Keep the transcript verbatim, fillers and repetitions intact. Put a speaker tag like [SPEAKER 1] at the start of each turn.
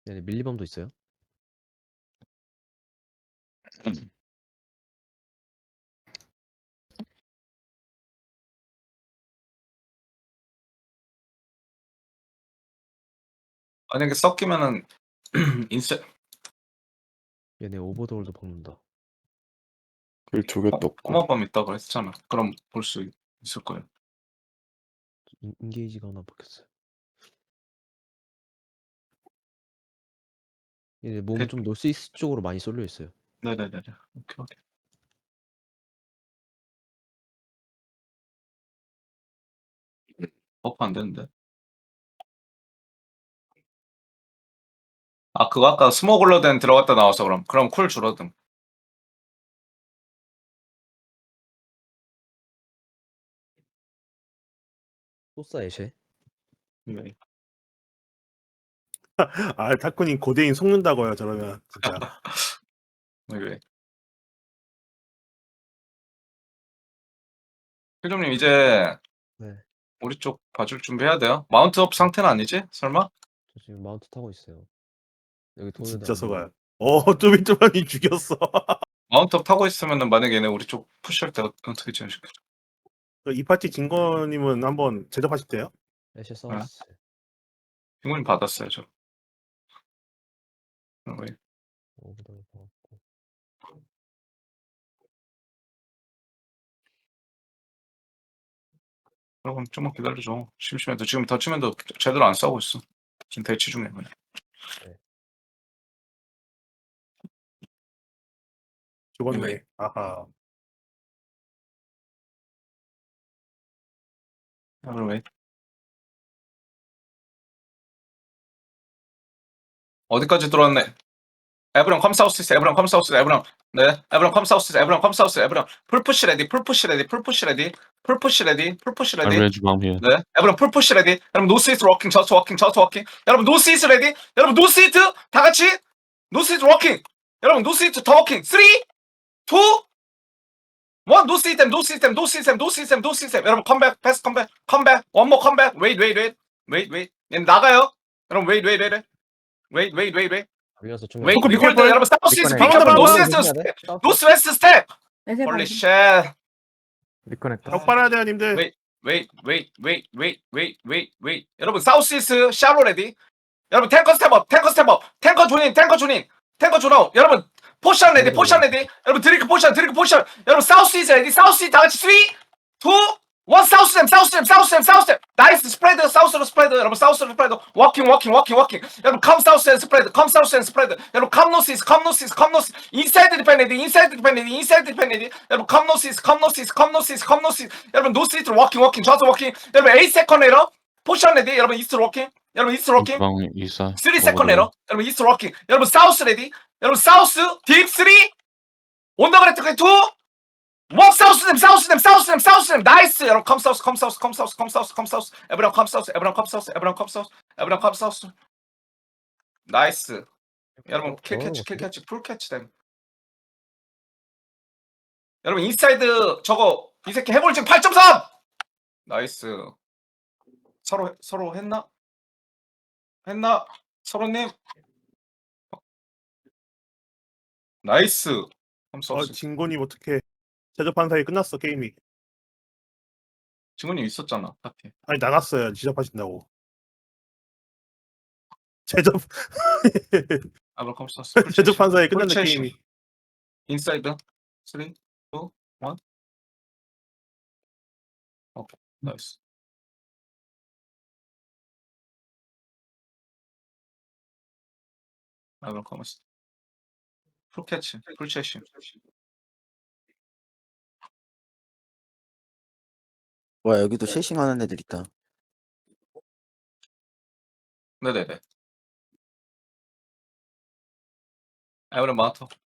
[SPEAKER 1] 네네. 밀리범도 있어요.
[SPEAKER 2] 만약에 섞이면은 인세
[SPEAKER 1] 얘네 오버돌도 박는다.
[SPEAKER 3] 길 두 개
[SPEAKER 2] 어
[SPEAKER 3] 떴고.
[SPEAKER 2] 험화범 있다고 했잖아. 그럼 볼 수 있을 거예요.
[SPEAKER 1] 인 인게이지가 하나 박혔어요. 얘네 몸
[SPEAKER 2] 대
[SPEAKER 1] 좀 노스이스트 쪽으로 많이 쏠려 있어요.
[SPEAKER 2] 네네네네. 오케이, 오케이. 버프 안 되는데. 아 그거 아까 스모글러덴 들어갔다 나와서 그럼. 그럼 쿨 줄어듦.
[SPEAKER 1] 소싸 애쉐.
[SPEAKER 2] 네.
[SPEAKER 4] 아 타쿠님 고대인 속는다고요 저러면 진짜.
[SPEAKER 2] 왜? 필종님 이제
[SPEAKER 1] 네.
[SPEAKER 2] 우리 쪽 봐줄 준비해야 돼요. 마운트업 상태는 아니지? 설마?
[SPEAKER 1] 저 지금 마운트 타고 있어요. 여기 도는
[SPEAKER 4] 진짜
[SPEAKER 1] 애들
[SPEAKER 4] 속아요. 어 쪼비쪼비님 죽였어.
[SPEAKER 2] 마운트업 타고 있으면은 만약에 얘네 우리 쪽 푸시할 때 어떻게 진행시켜?
[SPEAKER 4] 이 파티 진거님은 한번 제접하실 때요?
[SPEAKER 1] 애쉐 사우스.
[SPEAKER 2] 핑구님 받았어요 저. 어, 왜?
[SPEAKER 1] 오버돌 박았고.
[SPEAKER 2] 그럼 좀만 기다려줘. 심심해도 지금 더치맨도 제대로 안 싸우고 있어. 지금 대치 중에 그냥.
[SPEAKER 4] 죽었네.
[SPEAKER 2] 왜?
[SPEAKER 4] 아하.
[SPEAKER 2] 아, 그럼 왜? 어디까지 들어왔네? 에브랑 컴사우스 에브랑 컴사우스 에브랑 네 에브랑 컴사우스 에브랑 컴사우스 에브랑 풀푸시 레디 풀푸시 레디 풀푸시 레디 풀푸시 레디 풀푸시
[SPEAKER 5] I'm
[SPEAKER 2] 레디
[SPEAKER 5] ready to bomb here.
[SPEAKER 2] 네 에브랑 풀푸시 레디 여러분 노스이스트 워킹 저스 워킹 저스 워킹 여러분 노스이스트 레디 여러분 노스이스트 다 같이 노스이스트 워킹 여러분 노스이스트 더 워킹 쓰리 투 원 노스이스템 노스이스템 노스이스템 노스이스템 노스이스템 여러분 컴백 패스 컴백 컴백 원모 컴백 웨이트 웨이트 웨이트 웨이트 웨이트 얘 나가요 여러분 웨이트 웨이트 웨이트 웨이트 웨이트 웨이트 웨이트
[SPEAKER 1] 걸려서 중간.
[SPEAKER 2] 웨이트
[SPEAKER 4] 비콜,
[SPEAKER 2] 비콜드
[SPEAKER 4] 비콜.
[SPEAKER 2] 여러분 사우스 이스트
[SPEAKER 4] 비콜.
[SPEAKER 2] 비켜볼
[SPEAKER 4] 바운드,
[SPEAKER 2] 노스이스트
[SPEAKER 1] 바운드.
[SPEAKER 2] 스텝 노스 웨스트 스텝
[SPEAKER 6] 애새
[SPEAKER 2] 홀리
[SPEAKER 6] 방금.
[SPEAKER 2] 쉣
[SPEAKER 3] 리커넥터.
[SPEAKER 4] 벽 빨아야 돼요 님들.
[SPEAKER 2] 웨이 웨이 웨이 웨이 웨이 웨이 웨이 웨이 여러분 사우스 이스트 샤로 레디 여러분 탱커 스텝업 탱커 스텝업 탱커 존인 탱커 존인 탱커 존아웃 여러분 포션 레디 포션 레디 여러분 드링크 포션 드링크 포션 여러분 사우스 이스트 레디 사우스 이스트 다 같이 쓰리 투 원 사우스 댐 사우스 댐 사우스 댐 사우스 댐 나이스 스프레드 사우스로 스프레드 여러분 사우스로 스프레드 워킹 워킹 워킹 워킹 여러분 컴 사우스 앤 스프레드 컴 사우스 앤 스프레드 여러분 컴 노스 이스트 컴 노스 이스트 컴 노스 인사이드 디펜디디 인사이드 디펜디디 인사이드 디펜디디 여러분 컴 노스 이스트 컴 노스 이스트 컴 노스 이스트 컴 노스 이스트 여러분 노스 이스트 워킹 워킹 좌수 워킹 여러분 에잇 세컨 레러 포션 레디 여러분 이스트 워킹 여러분 이스트 워킹
[SPEAKER 5] Bomb east side.
[SPEAKER 2] 쓰리
[SPEAKER 5] over
[SPEAKER 2] 세컨
[SPEAKER 5] there.
[SPEAKER 2] 레러 여러분 이스트 워킹 여러분 사우스 레디 여러분 사우스 딥 쓰리 온더그레트 투 원 사우스 댐 사우스 댐 사우스 댐 사우스 댐 나이스 여러분 컴 사우스 컴 사우스 컴 사우스 컴 사우스 컴 사우스 에브랑 컴 사우스 에브랑 컴 사우스 에브랑 컴 사우스 에브랑 컴 사우스 나이스 여러분 킬 캐치 킬 캐치 풀 캐치 댐 여러분 인사이드 저거 이 새끼 해볼증 팔 점 삼 나이스 서로 서로 했나 했나 서로님 나이스 컴
[SPEAKER 4] 어
[SPEAKER 2] 사우스
[SPEAKER 4] 진거님 어떻게 제접한 사이 끝났어 게임이.
[SPEAKER 2] 증언님 있었잖아 파티
[SPEAKER 4] 아니 나갔어요 제접하신다고. 제접
[SPEAKER 2] 에브랑 컴 사우스
[SPEAKER 4] 제접한 사이 끝났네
[SPEAKER 2] 풀
[SPEAKER 4] 게임이.
[SPEAKER 2] 인사이드 쓰리 투 원 오케이 나이스 에브랑 컴 사우스 풀 캐치 풀 채시
[SPEAKER 7] 와 여기도 쉐싱하는 애들 있다.
[SPEAKER 2] 네네네 에브랑 마토